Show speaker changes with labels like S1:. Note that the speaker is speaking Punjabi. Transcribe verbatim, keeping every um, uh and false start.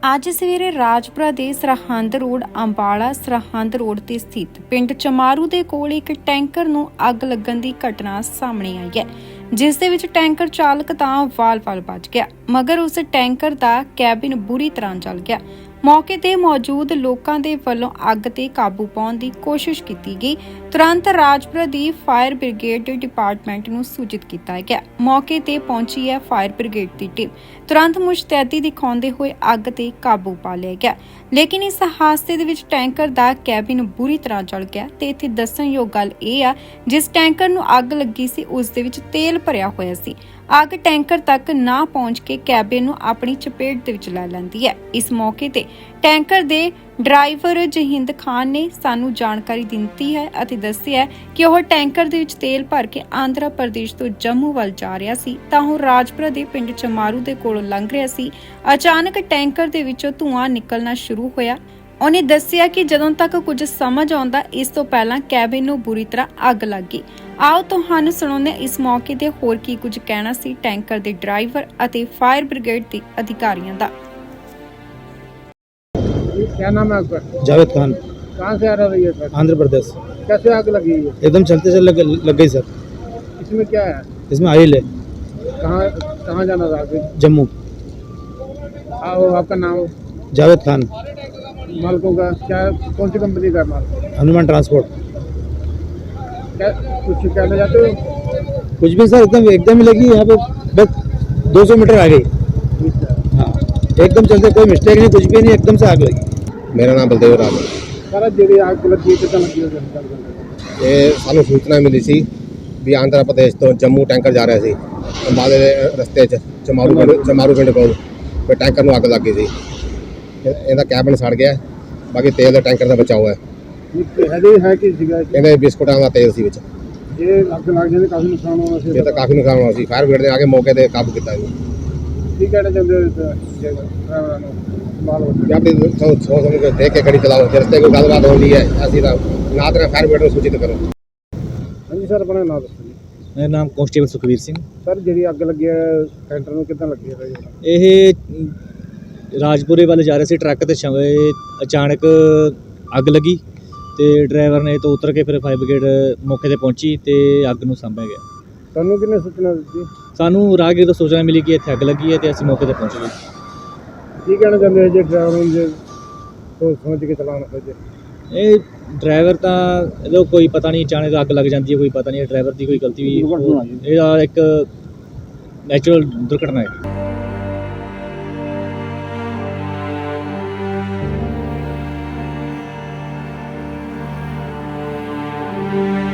S1: ਅੱਜ ਸਵੇਰੇ ਰਾਜਪੁਰਾ ਦੇ ਸਰਹੰਦ ਰੋਡ ਅੰਬਾਲਾ ਸਰਹੰਦ ਰੋਡ ਤੇ ਸਥਿਤ ਪਿੰਡ ਚਮਾਰੂ ਦੇ ਕੋਲ ਇੱਕ ਟੈਂਕਰ ਨੂੰ ਅੱਗ ਲੱਗਣ ਦੀ ਘਟਨਾ ਸਾਹਮਣੇ ਆਈ ਹੈ, ਜਿਸ ਦੇ ਵਿੱਚ ਟੈਂਕਰ ਚਾਲਕ ਤਾਂ ਵਾਲ-ਵਾਲ ਬਚ ਗਿਆ, ਮਗਰ ਉਸ ਟੈਂਕਰ ਦਾ ਕੈਬਿਨ ਬੁਰੀ ਤਰ੍ਹਾਂ ਜਲ ਗਿਆ। ਮੌਕੇ ਤੇ ਮੌਜੂਦ ਲੋਕਾਂ ਦੇ ਵੱਲੋਂ ਅੱਗ ਤੇ ਕਾਬੂ ਪਾਉਣ ਦੀ ਕੋਸ਼ਿਸ਼ ਕੀਤੀ ਗਈ। ਤੁਰੰਤ ਰਾਜਪੁਰਾ ਦੀ ਫਾਇਰ ਬ੍ਰਿਗੇਡ ਡਿਪਾਰਟਮੈਂਟ ਨੂੰ ਸੂਚਿਤ ਕੀਤਾ ਗਿਆ। ਮੌਕੇ ਤੇ ਪਹੁੰਚੀ ਹੈ ਫਾਇਰ ਬ੍ਰਿਗੇਡ ਦੀ ਟੀਮ। ਤੁਰੰਤ ਮੁਸ਼ਤੈਦੀ ਦਿਖਾਉਂਦੇ ਹੋਏ ਅੱਗ ਤੇ ਕਾਬੂ ਪਾ ਲਿਆ ਗਿਆ, ਲੇਕਿਨ ਇਸ ਹਾਦਸੇ ਦੇ ਵਿੱਚ ਟੈਂਕਰ ਦਾ ਕੈਬਿਨ ਬੁਰੀ ਤਰ੍ਹਾਂ ਜਲ ਗਿਆ। ਤੇ ਇੱਥੇ ਦੱਸਣਯੋਗ ਗੱਲ ਇਹ ਆ, ਜਿਸ ਟੈਂਕਰ ਨੂੰ ਅੱਗ ਲੱਗੀ ਸੀ ਉਸ ਦੇ ਵਿੱਚ ਤੇਲ ਭਰਿਆ ਹੋਇਆ ਸੀ। ਅੱਗ ਟੈਂਕਰ ਤੱਕ ਨਾ ਪਹੁੰਚ ਕੇ ਕੈਬਿਨ ਨੂੰ ਆਪਣੀ ਚਪੇਟ ਦੇ ਵਿੱਚ ਲੈ ਲੈਂਦੀ ਹੈ। ਇਸ ਮੌਕੇ ਤੇ ਟੈਂਕਰ ਦੇ ਡਰਾਈਵਰ ਜਹਿੰਦ ਖਾਨ ਨੇ ਸਾਨੂੰ ਜਾਣਕਾਰੀ ਦਿੱਤੀ ਹੈ ਅਤੇ ਦੱਸਿਆ ਕਿ ਉਹ ਟੈਂਕਰ ਦੇ ਵਿੱਚ ਤੇਲ ਭਰ ਕੇ ਆਂਧਰਾ ਪ੍ਰਦੇਸ਼ ਤੋਂ ਜੰਮੂ ਵੱਲ ਜਾ ਰਿਹਾ ਸੀ ਤਾਂ ਉਹ ਰਾਜਪੁਰਾ ਦੇ ਪਿੰਡ ਚਮਾਰੂ ਦੇ ਕੋਲੋਂ ਲੰਘ ਰਿਹਾ ਸੀ। ਅਚਾਨਕ ਟੈਂਕਰ ਦੇ ਵਿੱਚੋਂ ਧੂੰਆਂ ਨਿਕਲਣਾ ਸ਼ੁਰੂ ਹੋਇਆ। ਉਹਨੇ ਦੱਸਿਆ ਕਿ ਜਦੋਂ ਤੱਕ ਕੁਝ ਸਮਝ ਆਉਂਦਾ ਇਸ ਤੋਂ ਪਹਿਲਾਂ ਕੈਬਿਨ ਨੂੰ ਬੁਰੀ ਤਰ੍ਹਾਂ ਅੱਗ ਲੱਗ ਗਈ। ਆਓ ਤੁਹਾਨੂੰ ਸੁਣਾਉਂਦੇ ਇਸ ਮੌਕੇ ਤੇ ਹੋਰ ਕੀ ਕੁਝ ਕਹਿਣਾ ਸੀ ਟੈਂਕਰ ਦੇ ਡਰਾਈਵਰ ਅਤੇ ਫਾयर ब्रिगेड ਦੇ ਅਧਿਕਾਰੀਆਂ ਦਾ।
S2: क्या नाम है आपका?
S3: जावेद खान,
S2: कहाँ से आ रहा है सर?
S3: आंध्र प्रदेश।
S2: कैसे आग लगी है?
S3: एकदम चलते चल लग, लग गई सर।
S2: इसमें क्या है?
S3: इसमें ऑयल है।
S2: कहाँ कहाँ जाना था आगे?
S3: जम्मू।
S2: आओ, आपका नाम?
S3: जावेद खान।
S2: मालकों का क्या, कौन सी कंपनी का माल?
S3: हनुमान ट्रांसपोर्ट।
S2: क्या कुछ कहना चाहते हो?
S3: कुछ भी सर, एकदम एकदम ही लगी यहाँ पे, बस दो सौ मीटर आ गई। हाँ, एकदम चलते, कोई मिस्टेक नहीं, कुछ भी नहीं, एकदम से आग लगी।
S4: मेरा नाम बलदेव राज है।
S2: सारा ਜਿਹੜੀ ਆਗ ਲੱਗੀ ਕਿੱਦਾਂ ਲੱਗੀ ਹੈ?
S4: ਇਹ ਸਾਨੂੰ ਸੂਚਨਾ ਮਿਲੀ ਸੀ ਵੀ ਆਂਧਰਾ ਪ੍ਰਦੇਸ਼ ਤੋਂ ਜੰਮੂ ਟੈਂਕਰ ਜਾ ਰਿਹਾ ਸੀ। ਅੰਬਾਲੇ ਦੇ ਰਸਤੇ 'ਚ ਚਮਾਰੂ ਪਿੰਡ ਚਮਾਰੂ ਪਿੰਡ ਕੋਲ ਫਿਰ ਟੈਂਕਰ ਨੂੰ ਅੱਗ ਲੱਗ ਗਈ ਸੀ। ਇਹ- ਇਹਦਾ ਕੈਬਨ ਸੜ ਗਿਆ, ਬਾਕੀ ਤੇਲ ਦਾ ਟੈਂਕਰ ਦਾ ਬਚਾਅ ਹੋਇਆ।
S2: ਹਜੇ ਹੈ ਕੀ ਸੀਗਾ?
S4: ਇਹਦੇ ਬਿਸਕੁਟਾਂ ਦਾ ਤੇਲ ਸੀ ਵਿੱਚ।
S2: ਜੇ ਅੱਗ ਲੱਗ ਜਾਂਦੀ ਕਾਫੀ ਨੁਕਸਾਨ ਹੋਣਾ ਸੀ।
S4: ਇਹ ਤਾਂ ਕਾਫੀ ਨੁਕਸਾਨ ਹੋਇਆ ਸੀ। ਫਾਇਰ ਬ੍ਰਿਗੇਡ ਨੇ ਆ ਕੇ ਮੌਕੇ ਤੇ ਕਾਬੂ ਕੀਤਾ ਇਹਨੂੰ।
S2: ਕੀ ਕਹਿਣਾ ਚਾਹੁੰਦੇ ਹੋ ਡਰਾਈਵਰਾਂ ਨੂੰ? ਮਾਲ ਹੋ
S4: ਜਾਂ ਵੀ ਸੋਚ ਸਮਝ ਕੇ ਦੇਖ ਕੇ ਗੱਡੀ ਚਲਾਓ। ਜੇ ਰਸਤੇ ਕੋਈ ਗੱਲਬਾਤ ਹੋਣੀ ਹੈ ਅਸੀਂ ਤਾਂ ਨਾ ਤਾਂ ਫਾਇਰ ਬ੍ਰਿਗੇਡ ਨੂੰ ਸੂਚਿਤ ਕਰੋ।
S2: ਹਾਂਜੀ ਸਰ, ਆਪਣਾ ਨਾਮ ਦੱਸੋ ਜੀ।
S3: मेरा नाम कांस्टेबल सुखवीर सिंह।
S2: ਸਰ ਜਿਹੜੀ ਅੱਗ ਲੱਗੀ ਹੈ ਟੈਂਕਰ ਨੂੰ ਕਿੱਦਾਂ ਲੱਗੀ ਹੈ?
S3: ਇਹ ਰਾਜਪੁਰੇ ਵੱਲ ਜਾ ਰਹੇ ਸੀ ਟਰੱਕ ਤੇ, ਸ਼ਮ- ਇਹ ਅਚਾਨਕ ਅੱਗ ਲੱਗੀ ਤੇ ਡਰਾਈਵਰ ਨੇ ਤੋਂ ਉਤਰ ਕੇ ਫਿਰ ਫਾਇਰ ਬ੍ਰਿਗੇਡ ਮੌਕੇ ਤੇ ਪਹੁੰਚੀ ਤੇ ਅੱਗ ਨੂੰ ਸਾਂਭਿਆ ਗਿਆ।
S2: ਤੁਹਾਨੂੰ ਕਿੰਨੇ ਸੂਚਨਾ ਦਿੱਤੀ?
S3: ਸਾਨੂੰ ਰਾਹਗੀਰ ਤੋਂ ਸੂਚਨਾ ਮਿਲੀ ਕਿ ਇੱਥੇ ਅੱਗ ਲੱਗੀ ਹੈ ਤੇ ਅਸੀਂ ਮੌਕੇ ਤੇ ਪਹੁੰਚ ਗਏ।
S2: ਕੀ ਕਹਿਣਾ ਚਾਹੁੰਦੇ ਹੋ ਜੇ ਡਰਾਈਵਰ ਨੂੰ ਜੇ ਸੋਚ ਸਮਝ ਕੇ ਚਲਾਉਣਾ ਪਵੇ?
S3: ਇਹ ਡਰਾਈਵਰ ਤਾਂ ਇਹਦਾ ਕੋਈ ਪਤਾ ਨਹੀਂ, ਅਚਾਨਕ ਅੱਗ ਲੱਗ ਜਾਂਦੀ ਹੈ, ਕੋਈ ਪਤਾ ਨਹੀਂ ਡਰਾਈਵਰ ਦੀ ਕੋਈ ਗਲਤੀ ਵੀ, ਇਹਦਾ ਇੱਕ ਨੈਚੁਰਲ ਦੁਰਘਟਨਾ ਹੈ।
S1: ਹੈ।